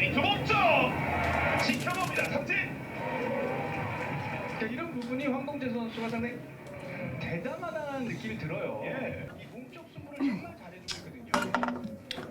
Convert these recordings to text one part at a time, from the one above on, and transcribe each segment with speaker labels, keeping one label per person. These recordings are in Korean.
Speaker 1: 그 목적 지켜봅니다. 삼진.
Speaker 2: 그러니까 이런 부분이 황동재 선수가 상당히 대담하다는 느낌이 들어요.
Speaker 1: 예.
Speaker 2: 이 몸쪽 승부를 정말 잘해주고 있거든요.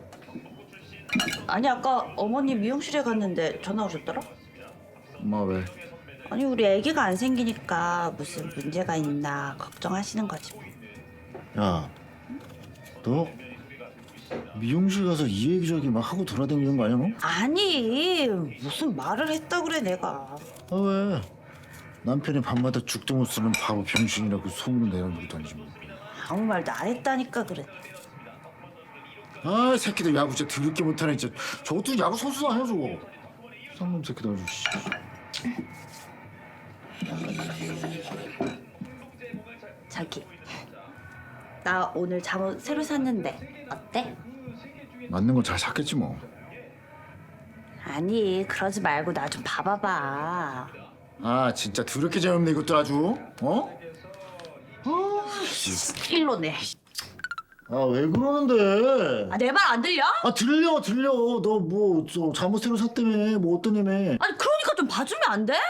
Speaker 3: 아니 아까 어머니 미용실에 갔는데 전화 오셨더라?
Speaker 4: 엄마 왜?
Speaker 3: 아니 우리 아기가 안 생기니까 무슨 문제가 있나 걱정하시는 거지 뭐.
Speaker 4: 야, 너 미용실 가서 이 얘기 저기 막 하고 돌아다니는 거 아니야 너?
Speaker 3: 아니 무슨 말을 했다 그래 내가.
Speaker 4: 아 왜? 남편이 밤마다 죽도 못 쓰는 바보 병신이라고 소문을 내놓고 다니지 뭐.
Speaker 3: 아무 말도 안 했다니까 그래.
Speaker 4: 아 새끼들 야구 진짜 더럽게 못하네 진짜. 저것도 야구 선수도 아니야 저거. 쌍놈 새끼들 아주. 씨.
Speaker 3: 자기 나 오늘 잠옷 새로 샀는데 어때?
Speaker 4: 맞는 건 잘 샀겠지 뭐.
Speaker 3: 아니 그러지 말고 나 좀 봐봐봐.
Speaker 4: 아 진짜 더럽게 재미없네 이것도 아주. 어?
Speaker 3: 일로네.
Speaker 4: 아 왜 그러는데?
Speaker 3: 내 말 안 들려?
Speaker 4: 아 들려. 너 뭐 저 잠옷 새로 샀다며 뭐 어떠냐며.
Speaker 3: 아니 그러니까 좀 봐주면 안 돼?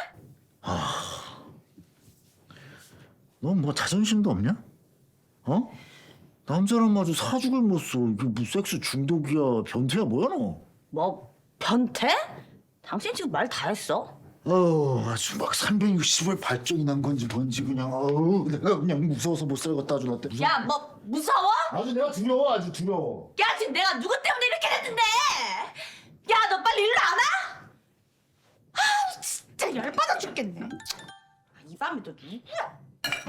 Speaker 4: 넌 뭐 자존심도 없냐? 어? 남자란 마저 사죽을 못 써. 이게 뭐 섹스 중독이야 변태야 뭐야 너?
Speaker 3: 뭐 변태? 당신 지금 말 다 했어?
Speaker 4: 아주 막 360을 발정이 난 건지 뭔지 그냥 내가 그냥 무서워서 못 살겠다 아주 나한테.
Speaker 3: 야 뭐 무서워?
Speaker 4: 아주 내가 두려워 아주 두려워.
Speaker 3: 야 지금 내가 누구 때문에 이렇게 됐는데? 야 너 빨리 일로 안 와? 아 진짜 열받아 죽겠네. 이 밤에 또 누구야?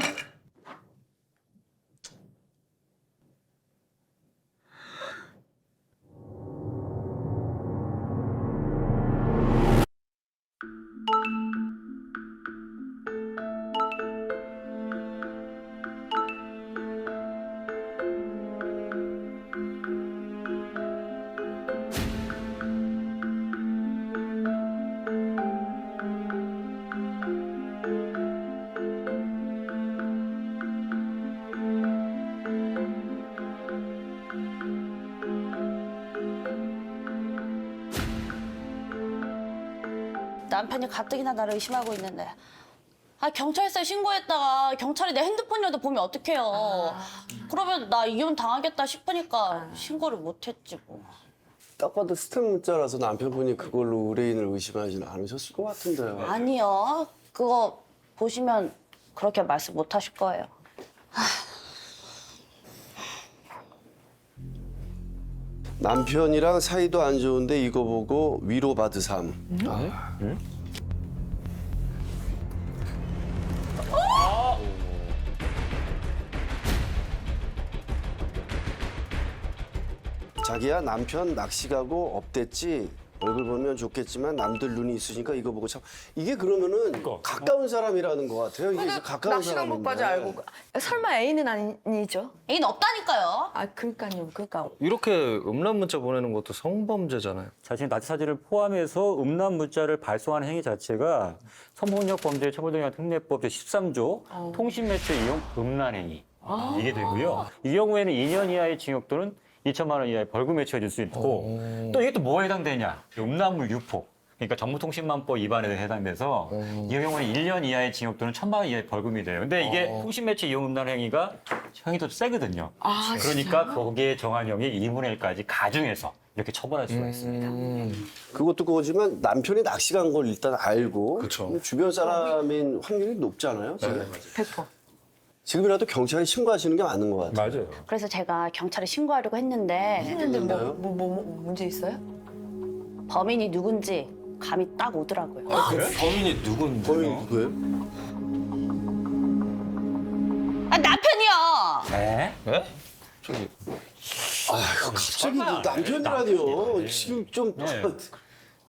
Speaker 3: 남편이 가뜩이나 나를 의심하고 있는데 경찰서에 신고했다가 경찰이 내 핸드폰이라도 보면 어떡해요. 그러면 나 이혼 당하겠다 싶으니까 신고를 못했지 뭐.
Speaker 5: 딱 봐도 스팸 문자라서 남편분이 그걸로 의뢰인을 의심하지는 않으셨을 것 같은데요.
Speaker 3: 아니요. 그거 보시면 그렇게 말씀 못 하실 거예요.
Speaker 5: 남편이랑 사이도 안 좋은데 이거 보고 위로받으삼. 자기야 남편 낚시 가고 업됐지. 얼굴 보면 좋겠지만 남들 눈이 있으니까 이거 보고 참 이게 그러면은 가까운 사람이라는 것 같아요. 이게 가까운
Speaker 6: 낚시랑
Speaker 5: 사람인데.
Speaker 6: 못까지 알고 설마 애인은 아니죠?
Speaker 3: 애인 없다니까요.
Speaker 6: 그러니까요. 그러니까
Speaker 7: 이렇게 음란 문자 보내는 것도 성범죄잖아요.
Speaker 8: 자신의 나치 사진을 포함해서 음란 문자를 발송하는 행위 자체가 성폭력 범죄 처벌등량 특례법 제13조 통신매체 이용 음란 행위 이게 되고요. 이 경우에는 2년 이하의 징역 또는 2천만 원 이하의 벌금에 처해질 수 있고 또 이게 또 뭐에 해당되냐? 음란물 유포. 그러니까 정보통신망법 위반에 해당돼서 이 경우는 1년 이하의 징역 또는 1,000만 원 이하의 벌금이 돼요. 근데 이게 통신매체 이용 음란 행위가 형이 더 세거든요. 그러니까 거기에 정한 형이 2분의 1까지 가중해서 이렇게 처벌할 수가 있습니다.
Speaker 5: 그것도 그거지만 남편이 낚시 간 걸 일단 알고
Speaker 7: 그쵸.
Speaker 5: 주변 사람인 확률이 높잖아요. 지금.
Speaker 6: 100%.
Speaker 5: 지금이라도 경찰에 신고하시는 게 맞는 것 같아요.
Speaker 7: 맞아요.
Speaker 3: 그래서 제가 경찰에 신고하려고 했는데
Speaker 6: 근데 뭐 문제 있어요?
Speaker 3: 범인이 누군지 감이 딱 오더라고요.
Speaker 7: 범인이 누군데?
Speaker 5: 범인 누구예요?
Speaker 3: 남편이요.
Speaker 8: 네?
Speaker 7: 네? 저기
Speaker 5: 아유 갑자기 그 남편이라니요. 지금 좀